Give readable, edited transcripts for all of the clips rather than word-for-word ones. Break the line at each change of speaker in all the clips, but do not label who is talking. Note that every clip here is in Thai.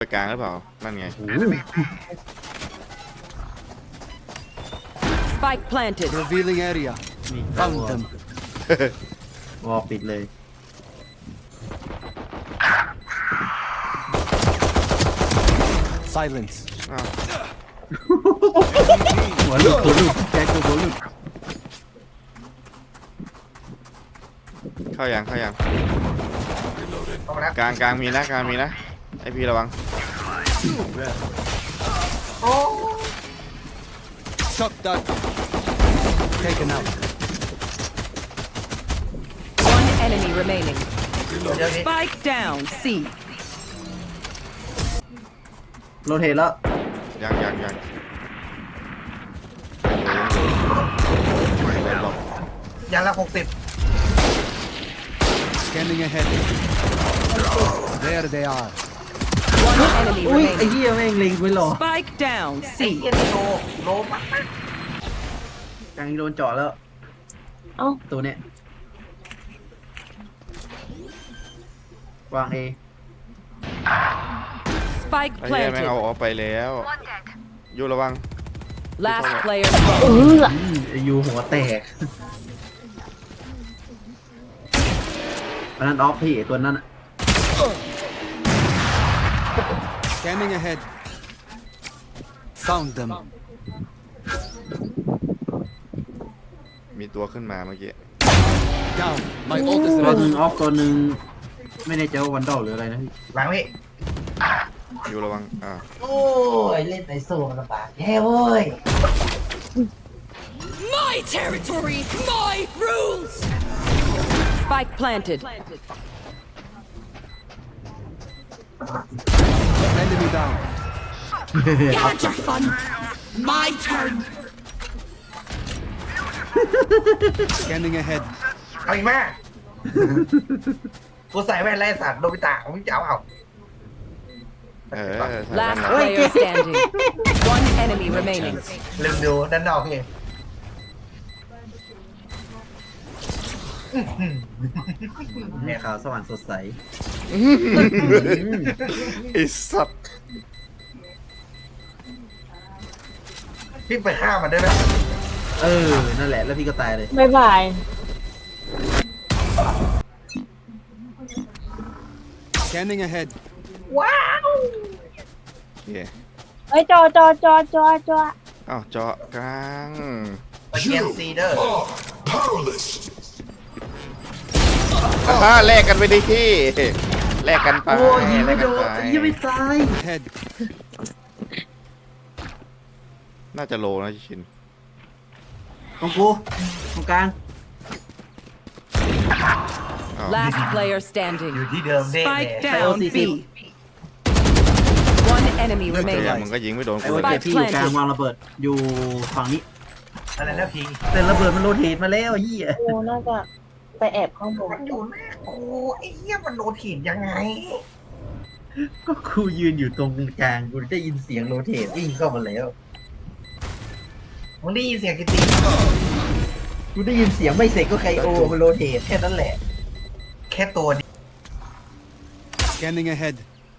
ไปกลางหรือเปล่านั่นไง
Spike planted.
Revealing area. Found them.
วอลปิดเลย
Silence.
อ้าว
หัวลูกแจ็คตัวหัวลูก
เข้ายังกลางมีนะไอพี่ระวัง
Shot dart. Taken out.
One enemy remaining. Spike down. C.
โรเทตแล้ว
ยัง
ยันละ60
Scanning ahead. There they are.
One enemy
อุ้ยไอ้
remaining.
เหี้ยแม่งเล็งไว้หรอ
Spike down.
ไอ้
C.
เหี้ยนี่โลมาก
กลางโดนเจาะแล้ว
เอ้า
ตัวเนี้ย วางเอ
Spike
ไอ้เหี้ยแม่ง
planted.
เอาออกไปแล้วอยู่ระวัง
Last player
เอ
standing.
อ
ไอ้ยูหัวแตกอันนั้นออฟพี่ไอ้ตัวนั้นอะ
Scanning ahead. Found them.
มีตัวขึ้นมาเมื่อกี้
Down. My ult is
ตัวหนึ่ง
ready.
ออฟตัวหนึ่งไม่แน่ใจว่าวันดอลหรืออะไรนะพี่
หลังพี่
อยู่ระวัง
โอ้ยเล่นในโซ่ลำบากแย่เว้ย
My territory. My rules. Spike planted.
Enemy down.
Got your fun. My turn.
Scanning ahead.
เอาอีกแม่กูใส่แว่นไล่สัตว์โดบิตะมึงจะเอา
Last player standing. One enemy remaining.
ลืมดูด้านนอกพี่
เนี่ยขาวสว่างสดใส
ไอ้สัตว์
พี่ไปฆ่ามันได้ไหม
เออ นั่นแหละ แล้วพี่ก็ตายเลย
บ๊ายบาย
Scanning ahead.
ว้าว
โอเค
เฮ้ยจอ
อ้าวเจาะกลาง
ไปเกียนซีเดอร์
แลกกันไปดิพี่แลกกันไป
โอ้ยยิงไม่โดน
แลกกันไป
ยิงไม่ตาย
Head.
น่าจะโลนะชิน
ของกูตรงกลาง
อ้าว
Last player
อ
standing.
ยู่ที่เดิมเด้เลย
Spike down. B. One enemy
เดี๋ยว
remaining.
มึงก็ยิงไม่โดน
ไอ้
กู
ว่า
เล
เจ็
ย
บพี่อยู่กลางวางระเบิด อยู่ฝั่งนี้
อะไรนะพี่
แต่ระเบิดมันโรเทตมาแล้วไอ้เหี้ย
โอ้น่าจะไปแอบข้างบน
มันอยู่แม่โอ้ไอ้เหี้ยมันโดนถีบยังไง
ก็กูยืนอยู่ตรงกลางกูได้ยินเสียงโรเทตวิ่งเข้ามาแล้ว
มึงได้ยินเสียงกิติ
กูได้ยินเสียงไม่เสร็จก็ไคโอมันโรเทตแค่นั้นแหละ
แค่ตัวนี้
Scanning ahead.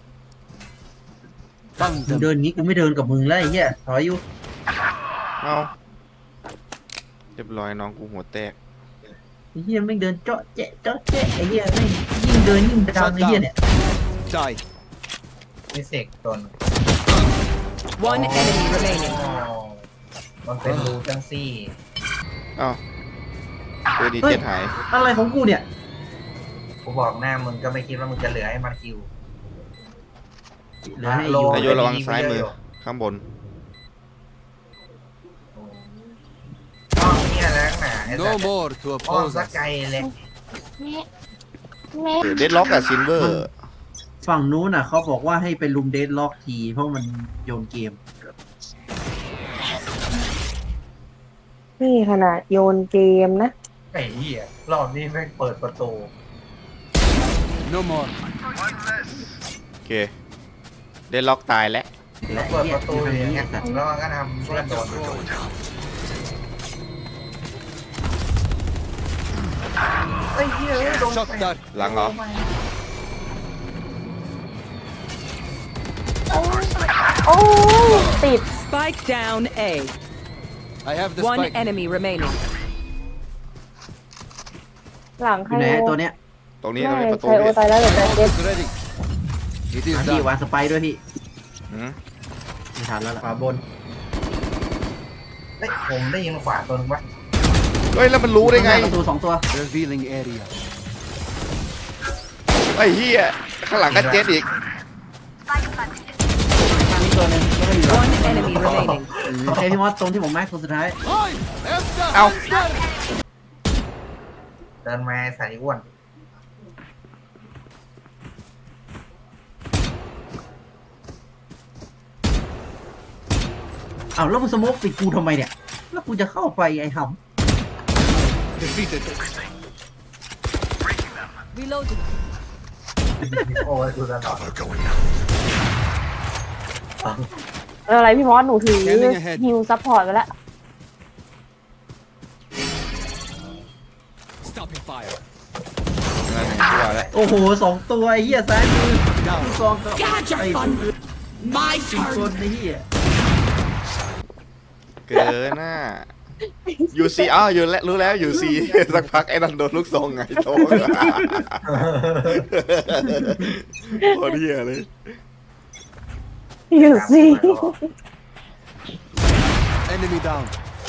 Found
มึง
them.
เดินงี้กูไม่เดินกับมึงแล้วไอ้เหี้ยถอยอยู่
เอาเรียบร้อยน้องกูหัวแตก
ไอ้เหี้ยแม่งเดินเจาะแจ๊ะไอ้เหี้ยแม่งยิ่งเดินยิ่งดังไอ้เหี้ยเนี่ย
Die.
มีเสกตัวนึง
One enemy remaining.
มันเป็นรูจังซี่
อ้าวตัวดี
เฮ้ย
เจ็ดหาย
อะไรของกูเนี่ย
กูบอกหน้ามึงก็ไม่คิดว่ามึงจะเหลือให้มันคิว
เหลือให้
โล
อยู่
นายโยระวังซ้ายมือข้างบน
อ้อมเนี่ยนะหนาไอ้สั
No
ตว์
more to
อ้อม
oppose
สัก
us.
ไกลเลย
แม่
เดดล็อกอะซินเวอร์
ฝั่งนู้นน่ะเขาบอกว่าให้ไปลุมเดดล็อกทีเพราะมันโยนเกม
นี่ขนาดโยนเกมนะ
ไอ้เหี้ยรอบนี้แม่งเปิดประตู
No more.
โอเคเดดล็อกตายแล้ว
และ
เปิด
ไอ้
ประตู
เหี้
อยย่างเงี้ย
สัตว์
แล้วมันก็ทำเพื่อนโดนไอ้เหี้ยโดน
Shot dart.
หลังเหรอ
อ้ยติด
Spike down A.
I have the
One
spike.
enemy remaining.
หลัง
อ
ใคร
ยู่ไหน
โอ
ตัวเนี้ย
ตรงนี้
ไม่
ประตู
ใครโอ
พี่
ตายแล้วเดี๋ยวจะเจ็บ
It's ready. It is
พี่
done.
วางสไปร์ด้วยพี่
หืม
ไม่ทันแล้วล่ะขวาบน
เฮ้ยผมได้ยินขวาตัวนึงวะ
เฮ้ยแล้วมันรู้ได้ไง
ประตูสองตัว
Revealing area.
ไอ้เหี้ยข้างหลังก็เจ็ดอีก
ข้างนี้ตัวหนึงก็ไม่อยู่
One enemy remaining.
โอเคพี่มอสตรงที่ผมแม็กตัวสุดท้าย
I am the
เอา
hunter.
เดินมาใส่อ้วน
อ้าวแล้วมึงสโมกปิดกูทำไมเนี่ย แล้วกูจะเข้าไปไอ้ห
Defeated.
Reloading.
โอ้ยดูตลอด
อะไรพี่มอสหนูถือ
Scanning ahead
ฮิวซัพพอร์ตไปแล้ว
Stopping fire.
นั่นไงกูว่าแล้ว
ำโอ้โหสองตัวไอ้เหี้ยซ้ายมือ
Down.
ลูกซองก็ไอ้คนอื่น
My
อีกคนไอ้เหี้ย
เกินน่ะยูซีอ้าวอยู่แล้วรู้แล้วยูซีสักพักไอ้นั่นโดนลูกซองไงโตโคตรเหี้ยเลย
อยู่สิ
Enemy down.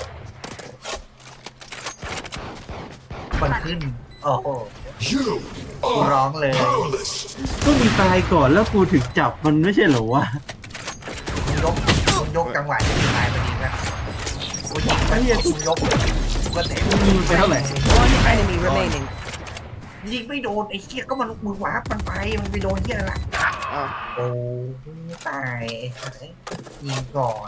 มันขึ้น โอ้โหกูร้องเลย
ก็มีตายก่อนแล้วกูถึงจับมันไม่ใช่เหรอวะ
มึงยกจังหวะที่ตายพอดีนะกูยิงไปกูยกกูก็เตะ
มึงยิงไปเท่าไหร่
One enemy remaining.
ยิงไม่โดนไอ้เหี้ยก็มันมือวาร์ปมันไปมันไปโดนเหี้ยอะไรล่ะ
อ้าว
โอ้ไม่ตายไอ้สัสยิงก่อน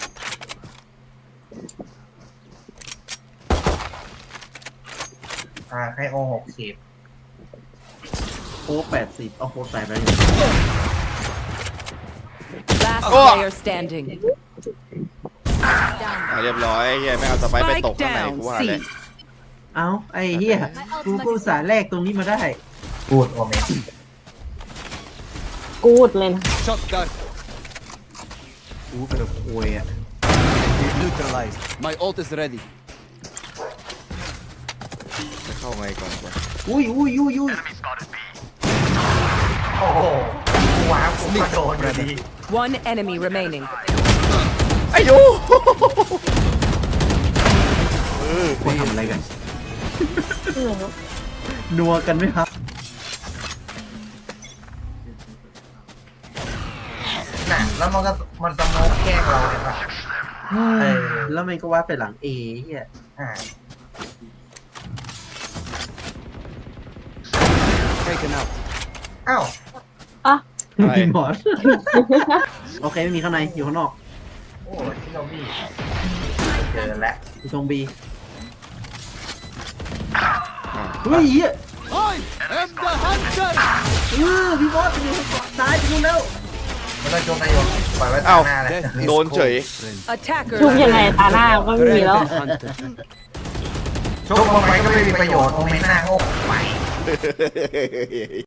ให้โอ60
โค้ก80เอาโค้กใส่ไปเลย
Last
Oh.
player standing.
เรียบร้อยไอ้เหี้ยไม่เอาสไปร์ไปตก
Spike
ข้างในกู
down
ว่าเลย
C.
เอ้าไอ้เหี้ยกูก็อุตส่าห์แลกตรงนี้มาได้
พูดโอเมน
กูดเลยนะ
Shot dart.
กูเป็นโวยอ่ะ
Neutralized. My ult is ready.
จะเข้าไงก่อนวะ
อุ้ย
โอ้โหกูว้าวกูก็โดนอยู่ดี
One enemy remaining.
ไอ้ยู
กูทำอะไรกัน นัวกันไหมครับ
น่ะแล้วมันก็มันสโมกแกล้งเราเลยป่ะ
แล้วมันก็ว่าไปหลังเอเหี้ย
อ่า
Taken out.
อ้าว
อ่ะ
อะไร
มีหมอส โอเคไม่มีข้างในอยู่ข้างนอก
โอ้ยที่เราบี้เจอแล้ว
อยู่ตรงบีเฮ้ยเหี้ย
I am the hunter.
พี่บอสไปดูซ้ายไปดูแล้ว
ไม่ต้องโจมนายโยนปล่อยไว้ตา
เอ้า
หน้าเลย
Death is
โดนเฉย
cold, friend.
Attacker.
ชุบยังไงตาหน้าก็ไม่มีแล้ว
Red hunter.
โชคลงไปก็ไม่มีประโยชน์โอเมนหน้าโง่ไป